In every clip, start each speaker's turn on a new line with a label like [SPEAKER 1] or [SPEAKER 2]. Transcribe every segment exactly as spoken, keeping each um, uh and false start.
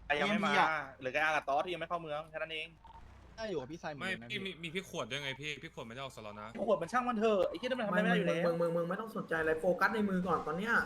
[SPEAKER 1] ยังไม่มาหรือไอ้อากับตอสที่ยังไม่เข้าเมืองแค่นั้นเอง
[SPEAKER 2] น่าอยู่กับพี่ไซไม่พี่มีมีพี่ขวดด้วยไงพี่พี่ขวดไม่ได้ออกสล็อตนะ
[SPEAKER 1] ขวดมันช่างมันเถอะไอ้ที่นั่นมันทำอะไรไม่ได้อยู่แล้ว
[SPEAKER 3] มึงมึงมึงไม่ต้องสนใจอะไรโฟกัสในมือก่อนตอนเนี้ย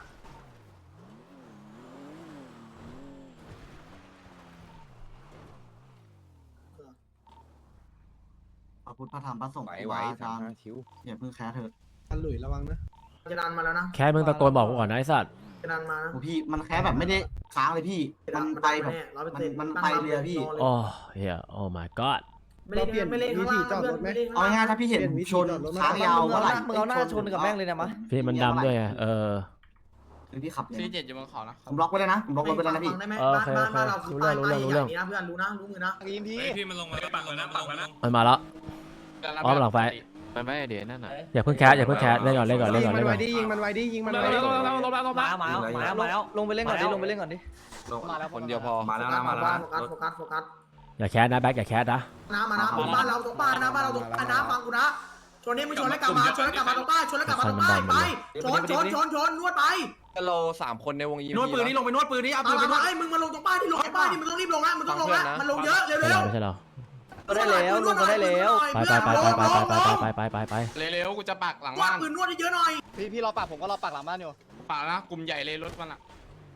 [SPEAKER 4] พระพุทธพระธรรมพระสงฆ์
[SPEAKER 5] ไหว
[SPEAKER 4] ครู
[SPEAKER 5] ไหว
[SPEAKER 4] บาอา
[SPEAKER 5] สาม
[SPEAKER 4] จารย์
[SPEAKER 5] ห้าคิ้ว
[SPEAKER 4] อย่าเพิ่งแคร์เถอะ
[SPEAKER 3] อันหลุยระวังนะจะดันมาแล้วนะ
[SPEAKER 6] แค่มึงตะโกนบอกกูก่อนนะไอ้สัตว์
[SPEAKER 3] จะดันมานะ
[SPEAKER 4] โอ้พี่มันแคร์แบบไม่ได้ค้างเลยพี่มันไปแบบมันมันไปเลยอะพี่
[SPEAKER 6] โอ้เฮียโอ้ my god
[SPEAKER 3] ไม่เล่นไม่เล่นข้างล่างเพื่อนไม่เล่น
[SPEAKER 4] เอาง่ายๆถ้าพี่เห็นชนค้างยาวเมื่อไหร่
[SPEAKER 7] มึงเอาหน้าชนกับแม่งเลยนะมะ
[SPEAKER 6] พี่มันดำด้วยไงเออ
[SPEAKER 4] หรือพี่ขับเลย
[SPEAKER 2] ซีเจ็ดอยู่บนเขานะ
[SPEAKER 4] ผมล็อกไว้เลยนะผมล็อกรถไว้แล้วนะพี่
[SPEAKER 3] ได้ไหมบ้านบ้านบ้านเราคือป้ายป้ายใหญ่นี่นะเพื่อนรู้นะรู้มือนะ
[SPEAKER 2] ยิงพี่พี่มันลงมาปักแล้วนะปักแล้วนะ
[SPEAKER 6] มันมาแล้วอ้อมหลังไฟ
[SPEAKER 5] มันไม่เดี๋ยวนั่นน่ะ
[SPEAKER 6] อย่าเพิ่งแคสอย่าเพิ่งแคสเล่นก่อนเล่นก่อนเล่นก่อนเล่นก่อน
[SPEAKER 3] ยิงมันไว้ดิยิงมัน
[SPEAKER 2] ล
[SPEAKER 3] ไว้
[SPEAKER 2] ง
[SPEAKER 3] ดิ
[SPEAKER 2] แล้วลงแล้วลงแล้วลง
[SPEAKER 7] มา
[SPEAKER 2] แล้ว
[SPEAKER 7] มาแล้วมาแล้วมาแล้วลงไปเล่นก่อนดิลงไปเล่นก่อนดิ
[SPEAKER 2] มาแล้ว
[SPEAKER 5] คนเดียวพอ
[SPEAKER 3] มาแล้วนะมาแล้วโฟกัสโฟกัส
[SPEAKER 6] อย่าแคสนะแบ็คอย่าแคสนะ
[SPEAKER 3] น้ำมานะบ้านเราตรงบ้านนะบ้านเราตรงบ้านนะฟังกูนะชนนี่มึงชนแล้วกลับมาชนแล้วกลับมาตรงบ้านชนแล้วกลับมาตรงบ้านไปชนชนชนชนนวดไป
[SPEAKER 5] เราสามคนในวงยิม
[SPEAKER 3] นวดปืนนี่ลงไปนวดปืนนี่เอาปืนไปนวดไอ้มึงมาลงตรงบ้านที่ลงไอ้บ้านนี่มึงต้องรีบลงนะมึงต้องลงนะมันลงเยอะเร็ว
[SPEAKER 6] ไม่
[SPEAKER 3] เร็ว
[SPEAKER 6] ใช่เรา
[SPEAKER 7] ก็ได้แล้วลงก็ได้แล้ว
[SPEAKER 6] ไปไปไปไปไปไปไปไปไปไป
[SPEAKER 2] เร็วๆกูจะปักหลัง
[SPEAKER 3] ว่า
[SPEAKER 2] บ้าน
[SPEAKER 3] ปืนนวดเยอะหน่อย
[SPEAKER 7] พี่พี่รอปากผมก็รอปากหลังบ้านอยู่
[SPEAKER 2] ปักนะกลุ่มใหญ่เลยรถมันอ่ะ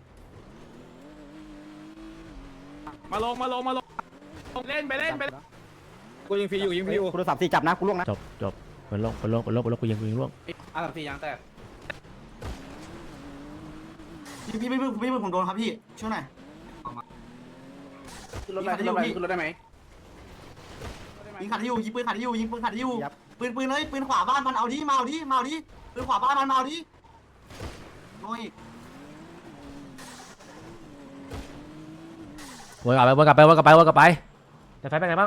[SPEAKER 2] มาลงมาลงมาลงเล่นไปเล่นไป
[SPEAKER 7] กูยิงฟรีอยู่ยิงฟรีอยู่กูโดนสามสี่จับนะกูล่วงนะ
[SPEAKER 6] จบจบเป็นโลกเป็นโลกเป็นโลกเป็นโลกกูยิงกูยิงล่วง
[SPEAKER 2] อ่ะสามสี่ยางแตก
[SPEAKER 4] พี่พี่พี่พี่ผมโดนครับพี่ช่วยหน่อย
[SPEAKER 2] ขึ้นรถไปขึ้นรถไปขึ้นรถได้ไหม
[SPEAKER 4] ยิงขัดที่อยู่ยิงปืนขัดที่อยู่ยิงปืนขัดที่อยู่ปืนปืนเลยปืนขวาบ้านมันเอาดิมาเอาดิมาเอาดิปืนขวาบ้านมันมาเอาดิโอ้ย
[SPEAKER 6] วนกลับไปวนกลับไปวนกลับไปวนกลับไปแต่ไฟเป็นไงบ้าง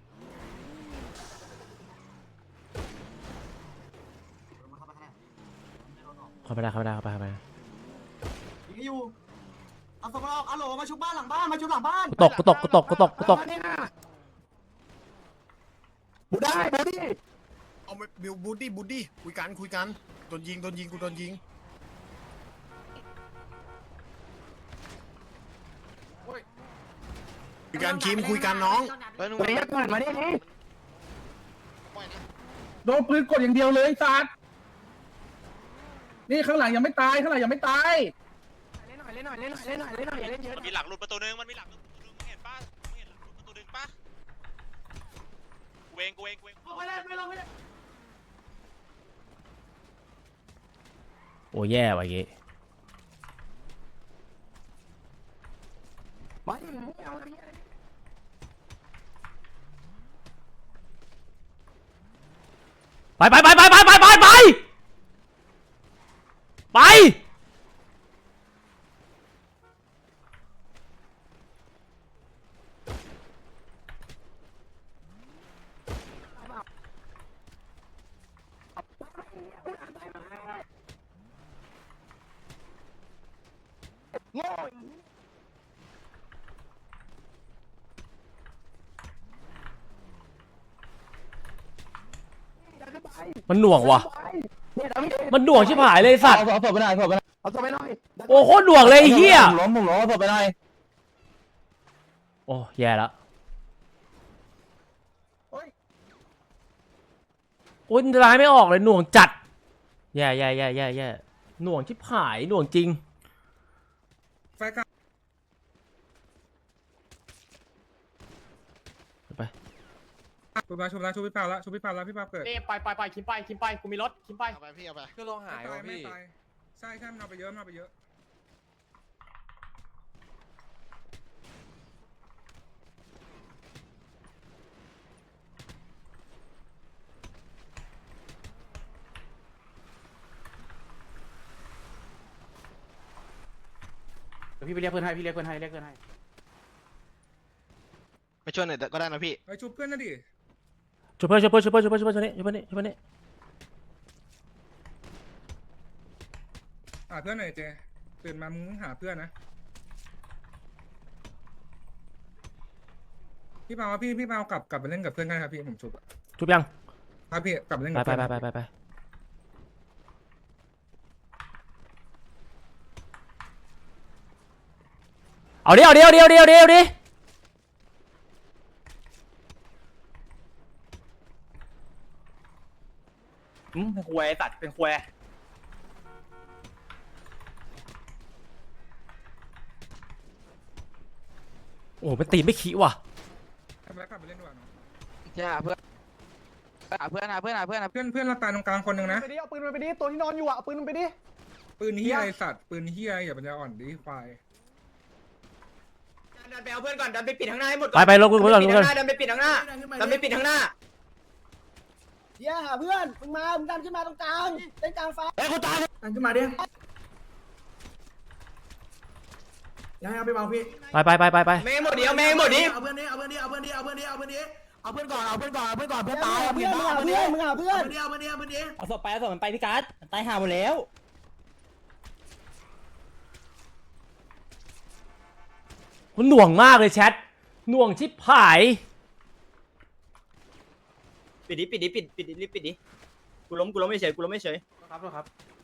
[SPEAKER 6] เข้าไปได้เข้าไปได้เข้าไปเข้าไป
[SPEAKER 4] ยิงอยู่เอาสกออกเอาโหลมาชุบบ้านหลังบ้านมาชุบหลังบ้าน
[SPEAKER 6] กูตกกูตกกูตกกูตกกูตก
[SPEAKER 3] บูได้บูดี้
[SPEAKER 8] เอาบิวบูดดี้บูดดี้คุยกันคุยกันโดนยิงโดนยิงกูโดนยิงคุยกันคิมคุยกันน้อง
[SPEAKER 3] มาดิก่อนมาดิโดนปืนกดอย่างเดียวเลยสัตว์นี่ข้างหลังยังไม่ตายข้างหลังยังไม่ตาย
[SPEAKER 8] เล่นหน่อยเล่นหน่อยเล่นหน่อยเล่นหน่อยเล่นหน่อยเล่นเยอะ
[SPEAKER 1] มันมีหลังหลุดประตูนึงมันมีหลังหลุดประตูนึงมึงเห็นป่ะมึงเห็นหลังหลุดประตูนึงป่ะกูเองกูเองกูเอง
[SPEAKER 6] โอ้แย่ว่ะเงี้ไปไปไปไปไปไปไปไปไปมันหน่วงว่ะมันหน่วงชิบหายเลยสัตว์
[SPEAKER 7] เอาศพไปหน่อยศพไปหน่อยเอาศพไปหน่อย
[SPEAKER 6] โอ้โคตรหน่วงเลยไอ้เฮีย
[SPEAKER 7] ล้มผมล้มเอาศพไปหน่อย
[SPEAKER 6] โอ้แย่แล้วโอ้ยร้ายไม่ออกเลยหน่วงจัดแย่แย่แย่แย่แย่หน่วงชิบหายหน่วงจริง
[SPEAKER 2] ไฟกลาง
[SPEAKER 6] ไป
[SPEAKER 2] ชุบแล้วชุบแล้วชุบพี่เปาแล้วชุบพี่เปาแล้วพี่เปาเกิด
[SPEAKER 7] ไปไปไปคิมไปคิมไปกูมีรถคิมไป
[SPEAKER 8] เอาไปพี่เอาไป
[SPEAKER 5] ก็ลงหาย
[SPEAKER 2] ตา
[SPEAKER 5] ว่ะ
[SPEAKER 2] ยไม่
[SPEAKER 5] พี่
[SPEAKER 2] ตายใช่ใช่มันเอาไปเยอะมันเอาไปเยอะ
[SPEAKER 7] พี่ไปเรียกเพื่อนให้พี่เรียกเพื่อนให้เรียกเพื่อนให้
[SPEAKER 8] ไปช่วยหน่อยก็ได้นะพี่
[SPEAKER 2] ไปชุบเพื่อนนะดิ
[SPEAKER 6] ช่วยเพื่อนช่วยเพื่อนช่วยเพื่อนช่วยเพื่อนช่วยเพื่อนช่วยเพื่อนนี่ช่วยเพื่อนนี่
[SPEAKER 2] หาเพื่อนหน่อยเจตื่นมามึงหาเพื่อนนะพี่เปาพี่พี่เปากลับกลับไปเล่นกับเพื่อนกันครับพี่ผมชุบ
[SPEAKER 6] ชุบยัง
[SPEAKER 2] ครับพี่กลับไปเล่น
[SPEAKER 6] ไป
[SPEAKER 2] กับ
[SPEAKER 6] ไป
[SPEAKER 2] เพื่อน
[SPEAKER 6] ไปไปไปไป
[SPEAKER 2] พ
[SPEAKER 6] เอาดิเอาดิเอาดิเอาดิเอาดิเอาดิ
[SPEAKER 7] เป็นควยตัดเป็นควย
[SPEAKER 6] โอ้โหมันตีไม่ขี้ว่ะ
[SPEAKER 2] ทำไมกลับไปเล่นดีกว่าเนาะ
[SPEAKER 5] ใช่เพื่อนเพื่อนเพื่อนเพื่อนเพื่อน
[SPEAKER 2] เพื่อนเพื่อนเราตายตรงกลางคนหนึ่งนะ
[SPEAKER 7] ไปดิเอาปืนมันไปดิตัวที่นอนอยู่อ่ะเอาปืนมันไปดิ
[SPEAKER 2] ปืนเฮียไอสัตว์ปืนเฮียอย่าปัญญาอ่อนดิควาย
[SPEAKER 7] ดันไปเอาเพื่อนก่อนดันไปปิดข้างหน้าให้หมด
[SPEAKER 6] ไปไปลงลงก่อนลงก่อน
[SPEAKER 7] ดันไปปิดข้างหน้าดันไปปิดข้างหน้า
[SPEAKER 3] เดี๋ยวหาเพื่อนมึงมามึงดันขึ้นมาตรงกลางเต้นกลางฟ้าเฮ้ยคนตายดันขึ้นมาดิยังเอาไปเบาพี่
[SPEAKER 6] ไปไปไปไปไป
[SPEAKER 7] แม่งหมดดิเอาแม่งหมดดิ
[SPEAKER 3] เอาเพื่อนนี้เอาเพื่อนนี้เอาเพื่อนนี้เอาเพื่อนนี้เอาเพื่อนนี้เอาเพื่อนก่อนเอาเพื่อนก่อนเอาเพื่อนก่อนเพื่อนตายเอาเพื่อนมึงหาเพื่อนมึงหาเพื่อนเอาเพื่อนนี้เอาเพื่อนนี้เอาเพื่อนนี้
[SPEAKER 7] เอาศพไปเอาศพมันไปพี่การ์ดตายห่าหมดแล้ว
[SPEAKER 6] มันหน่วงมากเลยแชทหน่วงชิบหาย
[SPEAKER 7] ปิดดิปิดดิปิดปิดดิรีบปิดดิกูล้มกูล้มไม่เฉยกูล้มไม่เฉยครับครับ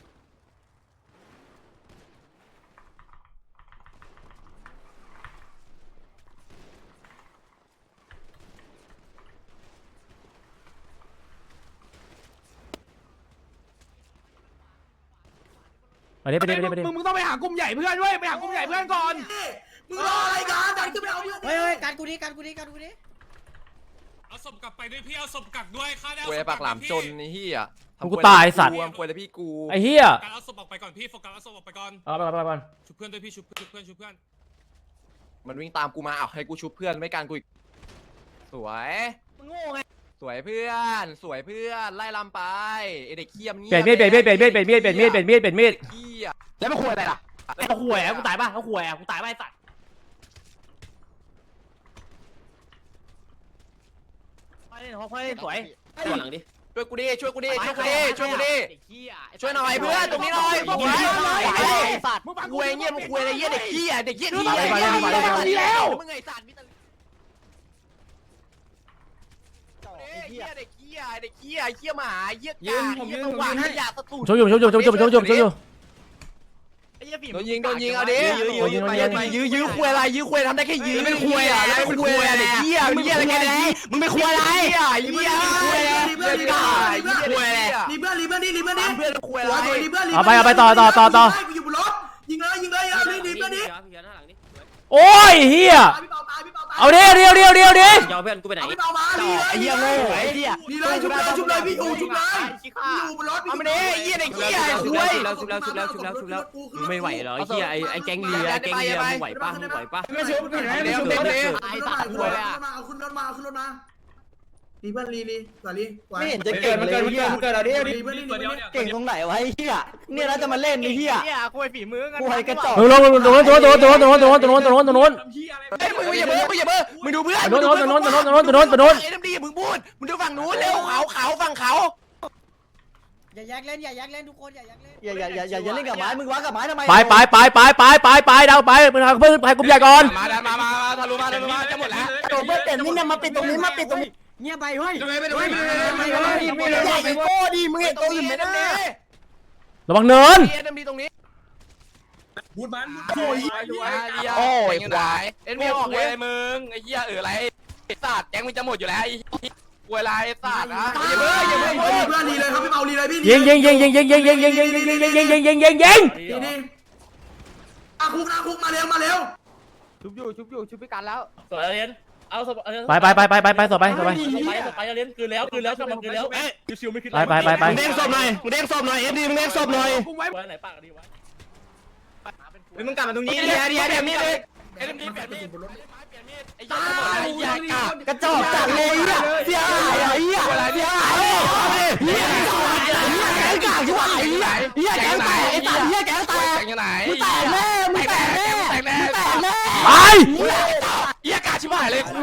[SPEAKER 6] ไปดิไปดิไปดิไปดิ
[SPEAKER 7] มึงมึงต้องไปหากลุ่มใหญ่เพื่อนด้วยไปหากลุ่มใหญ่เพื่อนก่อน
[SPEAKER 3] มึงรออะไรกันดันขึ้นไปเอาเพื่อน
[SPEAKER 9] เฮ้ยเฮ้ยการกูดิการกูดิการกูดิ
[SPEAKER 2] เอาศพกลับไปด้วยพี่เอาศพกลับด้วยข้าได้
[SPEAKER 5] ควยปากหลามจนนี่เฮีย
[SPEAKER 6] กูตายสัตว์
[SPEAKER 5] ควยแต่พี่กู
[SPEAKER 6] ไอ้เหี้ย
[SPEAKER 2] การเอาศพออกไปก่อนพี่โฟกัสเอาศพออกไปก่อน
[SPEAKER 6] เอาไปไปไปไป
[SPEAKER 2] ชุบเพื่อนด้วยพี่ชุบชุบเพื่อนชุบเพื่อน
[SPEAKER 5] มันวิ่งตามกูมาเอาให้กูชุบเพื่อนไม่การกูอีกสวย
[SPEAKER 7] มึงโง่ไง
[SPEAKER 5] สวยเพื่อนสวยเพื่อนไล่ลำไปไอเด็กเขี้ยม
[SPEAKER 6] เปลี่ยนมีดเปลี่ยนมีดเปลี่ยนมีดเปลี่ยนมีดเปลี่ยนมีดเปลี่ยนมีดเปลี่ยนมีด
[SPEAKER 5] เขี้ย
[SPEAKER 7] แล้วมาคุยอะไรล่ะเอาคุยอ่ะกูตายป่ะเอาคุยอ่ะกูตายป่ะไอ้สัตว์ไปเล่นเขาไปเล่นสวยตัวหลังดิ
[SPEAKER 5] ช่วยกูดิช่วยกูดิช่วยกูดิช่วยกูดิช่วยหน่อยเพื่อนตรงนี้หน่อยบอกไว้ไอ้สัตว์คุยเงี้ยมึงคุยอะไรเงี้ยเด็กเขี้ยเด็กเขี้ยที่อะไรแล้วมึงไงสัตว์มิตรเขี้ยเด็กเขี้ยเด็กเขี้ยเขี้ยหมาเขี้ยกาเขี้ยตัวขยะตะตุ่
[SPEAKER 6] ชกอยู่ชกอยู่ชกอยู่ชกอยู่ชกอยู่ชกอยู่
[SPEAKER 5] โดนยิงโดนยิงเอาดิยื้อยื้อยื้อคุยอะไรยื้อคุยทำได้แค่ยื้อเป็นคุยอ่ะแล้วเป็นคุยอะไรเด็กเขี้ยมึงเขี้ยอะไรกันเนี่ยมึงไม่คุยอะไรอ่ะเขี้ยคุยอะไรเขี้ยกาเขี้ยคุยอะไร
[SPEAKER 3] รีเพื่อนรีเพื่อนนี่รีเพื่อนนี่
[SPEAKER 5] เพื่อนคุยอะไร
[SPEAKER 3] รีเพื่อน
[SPEAKER 6] เอาไปเอาไปต่อต่อต่อต่อ
[SPEAKER 3] กูอยู่บนรถยิงเลยยิงเลยเอาดิรีเพื่อนนี่
[SPEAKER 6] โอ้ยเหี้ย
[SPEAKER 3] พี่เปาตายพี่เปาตาย
[SPEAKER 6] เอาดิเดียวเดียวเดียวดิ
[SPEAKER 7] ยอมเพื่อนกูไปไหน
[SPEAKER 3] เอาพี่เปามาลีเลย
[SPEAKER 7] ไอ้เหี้ยโง่ไอ้เหี้ย
[SPEAKER 3] ลีเลยชุบเลยชุบเลยพี่อยู่ชุบเลยอยู่บนรถ
[SPEAKER 5] เอามาดิเหี้ยเด็กเหี้ยคุย
[SPEAKER 7] ไม่ไหวเหรอไอ้เหี้ยไอ้ไอ้แก๊งเรือแก๊งเรือมึงไหวป่ะมึงไหวป่ะ
[SPEAKER 3] ไม่ชุบไม่ชุบไม่ชุบไอ้สัตว์คุยมาเอาขึ้นรถมาเอาขึ้นรถมาลีเพื่อนลีลีก่อนลี
[SPEAKER 7] ไม่เห็นจะเก่งเลยเหี้ยมึงเกิดอะไรดิ
[SPEAKER 3] ลีเพื่อนลีเพื่อน
[SPEAKER 7] เก่งตรงไหนวะไอ้เหี้ยเนี่ยเราจะมาเล่นไอ้เหี้ยคุยฝีมือกันคุยกระจอก
[SPEAKER 6] เออลงลงตรงนู้นตรงนู้นตรงนู้นตรงนู้นตรงนู้นตรงนู้นตรงนู้นตรงนู้น
[SPEAKER 5] เฮ้ยมึงอย่าเบ้อมึงอย่าเบ้อมึงดูเพื่อน
[SPEAKER 6] ตรงนู้นตรงนู้นตรงนู้นตรงนู้นตรงนู้นตรงนู้น
[SPEAKER 5] เอ็มดีมึงพูดมึงดูฝั่งนู้นเร็วเขาเขาฝั่งเขา
[SPEAKER 9] อย่าแยกเล่นอย่าแยกเล่นทุกคนอย่าแยกเล่น
[SPEAKER 7] อย่าอย่าอย่าอย่าอย่าเล่นกับไม้มึงวัดกับไม้ทำไม
[SPEAKER 6] ไปไปไปไปไปไปไปดาวไปเพื่อนเพื่อนไปกลุ่มใหญ่ก่อน
[SPEAKER 5] มามามาทะลุมาทะลุมาจะหมดแล้ว
[SPEAKER 7] โดนเพื่อนเต็มนี่เนี่ยมาปิดตรงนี้มาปิดตรงนี้เงียบไปเฮ้ย
[SPEAKER 5] ไปดูไปดูไปดู
[SPEAKER 7] ไม่เลยไอ้โก้ดิมึงเห็นตัวอื่นไม่ได้
[SPEAKER 6] ระวังเนิน
[SPEAKER 5] เอ็มดีตรงนี้
[SPEAKER 2] บูดมัน
[SPEAKER 5] โอ้ยโอ้ยควายเอ็นไม่ออกเลยมึงไอ้เหี้ยเอออะไรสัตว์แกงมึงจะหมดอยู่แล้วไอ้ป่วยไรสัตว์นะอย่าเบ้ออย่าเบ้อ
[SPEAKER 3] ลีเพื่อนลีเลยครับพี่เปาลีเลยพี่
[SPEAKER 6] ยิงยิงยิงยิงยิงยิงยิงยิงยิงยิงยิงยิงยิงยิงยิงยิงยิง
[SPEAKER 3] ลีนี่อาคุกอาคุกมาเร็วมาเร็ว
[SPEAKER 7] ชุบอยู่ชุบอยู่ชุบพิการแล้วสวยเรียนเอาส
[SPEAKER 6] ไปไปไปไปไปไปต่อไปต่อไป
[SPEAKER 7] ไปเรียนคืนแล้วคืนแล้วคืนแล้วเอ๊ะชิวไม่คืน
[SPEAKER 6] ไปไปไปไป
[SPEAKER 7] มึงเด้งศพหน่อยมึงเด้งศพหน่อยเอ็มดีมึงเด้งศพหน่อยไว้ไหนปากดีวะมึงกลับมาตรงนี้เดี๋ยวเดี๋ยวเดี๋ยวมีเลยเอ็มดีเปลี่ยนมีดไอ้ยากระจอกจัดเลยอ่ะเสียหายอ่ะเหี้ยเสียหายเหี้ยแกงกากชิบหายเหี้ยเหี้ยแกงแตกไอ้ตัดเหี้ยแกงแตก
[SPEAKER 5] ยังไง
[SPEAKER 7] มึงแตกแน่มึงแตกแน่มึงแตกแน่
[SPEAKER 6] ไป
[SPEAKER 5] เหี้ยกาชิบหายเลยครู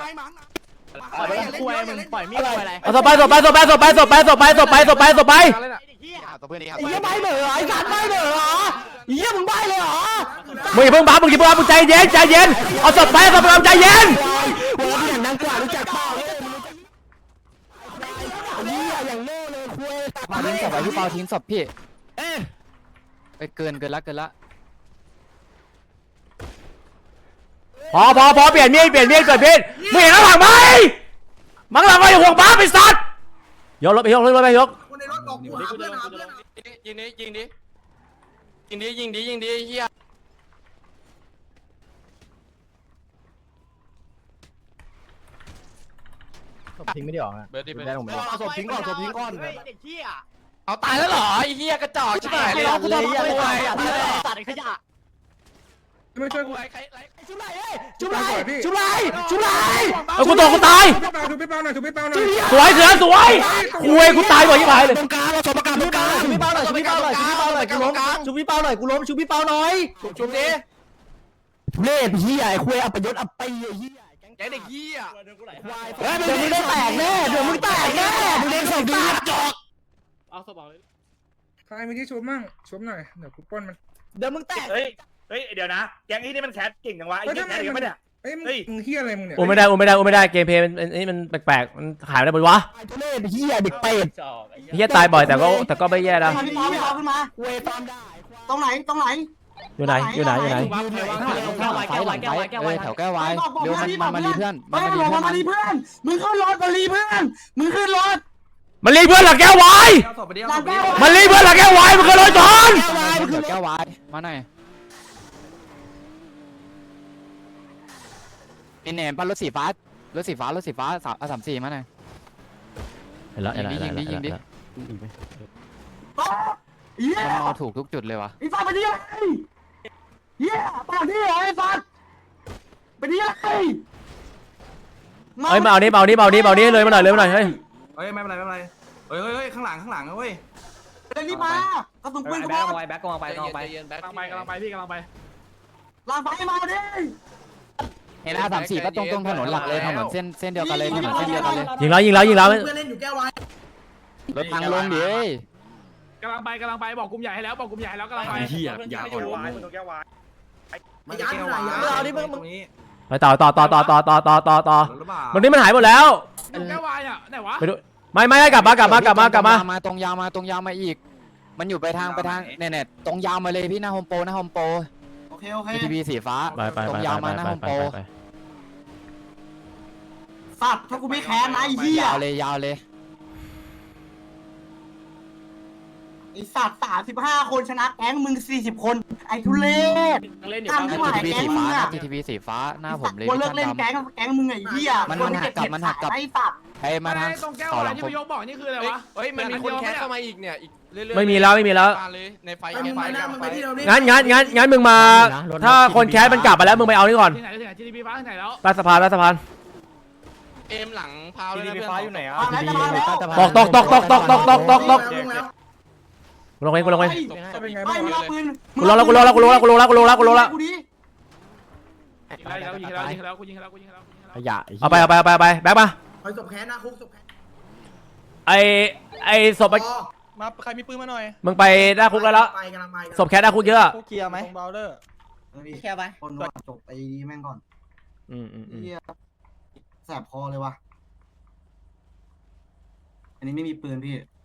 [SPEAKER 7] คุยมึงปล่อยมีดคุยอะไร
[SPEAKER 6] เอาต่อไปต่อไปต่อไปต่อไปต่อไปต่อไปต่อไปต่อไปต่อไป
[SPEAKER 7] เหี้ยใบเหม่อไอ้สัตว์ใบเหม่อเหรอเหี้ยมึงใบเลยเหรอ
[SPEAKER 6] มึงอย่าเพิ่งบ้ามึงอย่าเพิ่งบ้ามึงใจเย็นใจเย็นเอาศพไปเอาศพไปใจเย็น
[SPEAKER 7] หัวพี่อย่างดังกว่ารู้จักเปล่าเหี้ยอย่างโง่เลยคุย
[SPEAKER 5] มาทิ้งศพไว้พี่เปาทิ้งศพพี่เอ้ยเกินเกินละเกินละ
[SPEAKER 6] พอพอพอเปลี่ยนมีดเปลี่ยนมีดเปลี่ยนมีดมึงเห็นข้างหลังไหมมังหลังก็อย่าห่วงบ้าไปสัตว์ยกรถไปยกรถไปยก
[SPEAKER 3] คนในรถบอกกูหาเพื่อนหาเพื่อน
[SPEAKER 7] ยิงดิยิงดิยิงดิยิงดิยิงดิเฮีย
[SPEAKER 5] ทิ้งไม่ได้หรอ
[SPEAKER 7] เบิร์ดดิเบิร์ด
[SPEAKER 5] ได้ลงไปเอาศพทิ้งก่อนศพทิ้งก่อน
[SPEAKER 7] เอาตายแล้วเหรอไอ้เฮียกระจอกใช่ไหมเลยกูทำอะไรอ่ะตัดขยะ
[SPEAKER 8] ไม่ช่วยกู
[SPEAKER 5] ชุบไรชุบไรชุบไรชุบไร
[SPEAKER 6] เอากูตกกูตาย
[SPEAKER 8] ถูกพี่เปาถูกพี่เปาหน่อยถูกพี่เปาหน่อย
[SPEAKER 6] สวยเสือสวยคุยกูตายบ่อยยี่หายเลย
[SPEAKER 5] ตรงกลางเราศพประกาศตรงกลางชุบพี่เปาหน่อยชุบพี่เปาหน่อยชุบพี่เปาหน่อยกูล้มชุบพี่เปาหน่อยกูล้มชุบพี่เปาหน่อยชุบดิเล่เฮียไอ้คุยอัปยศอัปปีไอ้เฮีย
[SPEAKER 7] แกเด็กเฮีย
[SPEAKER 5] เฮ้ยเดี๋ยวมึงได้แตกแน่เดี๋ยวมึงแตกแน่มึงเล่นศพดีจอก
[SPEAKER 8] ใครมีที่ชุบมั่งชุบหน่อยเดี๋ยวกูป้นมัน
[SPEAKER 5] เดี๋ยวมึงแตก
[SPEAKER 10] เฮ้ย เฮ้ย เดี๋ยวนะ แก๊งนี้นี่มันแคสเก่งจังวะไอ้เหี้ยแคสกันไม่ได้
[SPEAKER 8] เอ้ยมึงเฮียอะไรมึงเนี่ย
[SPEAKER 6] โอ้ไม่ได้โอ้ไม่ได้โอ้ไม่ได้เกมเพลย์มันนี่มันแปลกๆมันขายไม่ได้บนวะ
[SPEAKER 5] ทุเรศเฮียเด็กเป็ด
[SPEAKER 6] เฮียตายบ่อยแต่ก็แต่ก็ไม่แย่นะ
[SPEAKER 4] พี่เปาพี่เปาขึ้นมา
[SPEAKER 5] เวตอนได้
[SPEAKER 4] ตรงไหนตรงไหน
[SPEAKER 6] อยู่ไหนอยู่ไหนอยู่ไหน
[SPEAKER 5] แก้วไว้แก้วไว้แก้วไว้แก้วไว้แถวแก้วไว้เร็วมันมันมารีเพื่อน
[SPEAKER 4] ไม่หลงมารีเพื่อนมึงขึ้นรถมารีเพื่อนมึงขึ้นรถ
[SPEAKER 6] มันรีเพื่อนหลักแก้วไว้
[SPEAKER 4] หลังแก้ว
[SPEAKER 6] มันรีเพื่อนหลักแก้วไว้มันเคยลอยจอน
[SPEAKER 5] แก้วไว้แก้วไว้มาหน่อยเป็นแหนมปั้นรถสีฟ้ารถสีฟ้ารถสีฟ้าสามสามสี่มาหน่อย
[SPEAKER 6] เห็นแล้วเห็นแล้ว
[SPEAKER 5] ยิงดิยิงดิ
[SPEAKER 4] เหี้ย
[SPEAKER 5] มันมาถูกทุกจุดเลยวะ
[SPEAKER 4] ไอ้สัตว์ไปดิอะไรเหี้ยปากดิไอ้สัตว์ไปดิอะไร
[SPEAKER 6] เฮ้ยมาเอานี้มาเอานี้มาเอานี้มาเอานี้เลยมาหน่อยเลยมาหน่อยเฮ้ย
[SPEAKER 4] เฮ้ยไม่เป็นไรไม่เป็นไรเฮ้ยเฮ้ยเฮ้ยข้างหลังข้างหลังนะเว้ยเดี๋ยวนี้มากระสุนปืนกูบอก
[SPEAKER 7] แบ็คกำลังไปกำลังไปแบ็ค
[SPEAKER 10] กำลังไปกำลังไปพี่กำลังไป
[SPEAKER 4] ลางไฟมาดิ
[SPEAKER 5] เห็นอาสามสี่ก็ตรงตรงถนนหลักเลยถนนเส้นเส้นเดียวกันเลยถนนเส้นเดียวกันเลย
[SPEAKER 6] ยิงแล้วยิงแล้วยิงแล้ว
[SPEAKER 3] เพื่อนเล่นอยู่แก้วไว้
[SPEAKER 5] รถทางลงดิ
[SPEAKER 10] กำลังไปกำลังไปบอกกลุ่มใหญ่ให้แล้วบอกกลุ่มใหญ่ให้แล้วกำลังไปเหี้ยอย่าอ่อนมึงแก้ววาย
[SPEAKER 3] มายัดหน่อยยัด
[SPEAKER 4] เอาดิมึงมึง
[SPEAKER 6] ไปต่อต่อต่อต่อต่อต่อต่อต่อต่อมันนี่มันหายหมดแล้ว
[SPEAKER 10] แก้ววายอ่ะไหนวะ
[SPEAKER 6] ไปดูไม่ไม่กลับมากลับมากลับมากลับมา
[SPEAKER 5] มาตรงยาวมาตรงยาวมาอีก มันอยู่ไปทางไปทางเน็ตตรงยาวมาเลยพี่หน้าโฮมโปรหน้าโฮมโปร
[SPEAKER 4] โอเคโอเค
[SPEAKER 5] ทีวีสีฟ้า
[SPEAKER 6] ไปไป
[SPEAKER 5] ตร
[SPEAKER 6] ไป
[SPEAKER 5] งยาว
[SPEAKER 6] ไป
[SPEAKER 5] มาหน้า
[SPEAKER 6] ไป
[SPEAKER 5] โฮม
[SPEAKER 6] ไป
[SPEAKER 5] โปร
[SPEAKER 6] ไป
[SPEAKER 4] สัตว์ถ้ากูไม่แค้นนะไอ้เหี้ย
[SPEAKER 5] ยาวเลยยาวเลย
[SPEAKER 4] ไอ้สัตว์สามสิบห้าคนชนะแก๊งมึงสี่สิบคนไอ้ทุเรศ
[SPEAKER 10] เล่นอยู่
[SPEAKER 4] ทำที่หมาย
[SPEAKER 5] ทีวี
[SPEAKER 4] แก๊ง
[SPEAKER 5] สี
[SPEAKER 4] มึ
[SPEAKER 5] ฟ้าง
[SPEAKER 4] อะ
[SPEAKER 5] ทีวีสีฟ้าหน้าผมเลย
[SPEAKER 4] กูเลิกเล่นแก๊งแก๊งมึงไอ้เหี้ย
[SPEAKER 5] มันมันหักกลับมันหักกลับ
[SPEAKER 4] ไอ้สัตว์
[SPEAKER 5] ให้มาทาง
[SPEAKER 10] ตรงแก้ว
[SPEAKER 5] ต่อ
[SPEAKER 10] วา
[SPEAKER 5] หลั
[SPEAKER 10] ย
[SPEAKER 5] ง
[SPEAKER 10] ที่
[SPEAKER 5] ผม
[SPEAKER 10] พี่ยกบอกนี่คืออะไรวะ
[SPEAKER 7] เฮ้ยมันมีคนแคสเข้ามาอีกเนี่ยอีกเรื่อยๆ
[SPEAKER 6] ไม่มีแล้วไม่มีแล้ว
[SPEAKER 7] เลยในไฟ
[SPEAKER 3] ไปมึง
[SPEAKER 7] ไฟ
[SPEAKER 3] ไปนะมึงไปที่เราดิ
[SPEAKER 6] งั้นงั้นงั้นงั้นมึงมา ถ้าคนแคสมันกลับมาแล้วมึงไปเอานี่ก่อน
[SPEAKER 10] ที่ไหนที่ไหนที่ทีพีฟ้าที่ไหนแล้ว
[SPEAKER 6] ใต้สะพานใต้สะพาน
[SPEAKER 7] เอ็มหลังพาวเลยนะเพื่อนอยู่ไหนอ่ะ
[SPEAKER 4] มาแล้วจะมาแล้ว
[SPEAKER 6] ตกตกตกตกตกตกตกตกตก
[SPEAKER 3] ลงแล้ว
[SPEAKER 6] กูลงเองกูลงเอง
[SPEAKER 8] เป็นไง
[SPEAKER 4] ไม่
[SPEAKER 8] บ้าง
[SPEAKER 4] มึงเอาปืน
[SPEAKER 6] กูลงแล้วกูลงแล้วกูลงแล้วกูลงแล้วกูลงแล้วกูลงแล้ว
[SPEAKER 4] กูดิ
[SPEAKER 10] ยิงแล้วยิงแล้วยิงแล้วกูยิงแล้วกูยิงแล้วกูยิงแล้ว
[SPEAKER 5] ขยะ
[SPEAKER 6] เอาไปเอาไปเอาไปเอาไปแบกมา
[SPEAKER 3] ไปศพแค้นนะคุกศพแค้น
[SPEAKER 6] ไอไอศพไป
[SPEAKER 7] มาใครมีปืนมาหน่อย
[SPEAKER 6] มึงไปหน้าคุกแล้วแล้ว
[SPEAKER 3] ไปกำลังไป
[SPEAKER 6] ศพแคสหน้าคุกเยอะ
[SPEAKER 7] เคลียร์ไหมเบลเดอร์
[SPEAKER 4] แค่ไปคนว่าจบไอ้แม่งก่อน
[SPEAKER 6] อืมอืมอืม
[SPEAKER 4] เหี้ยแสบคอเลยวะอันนี้ไม่มีปืนพี่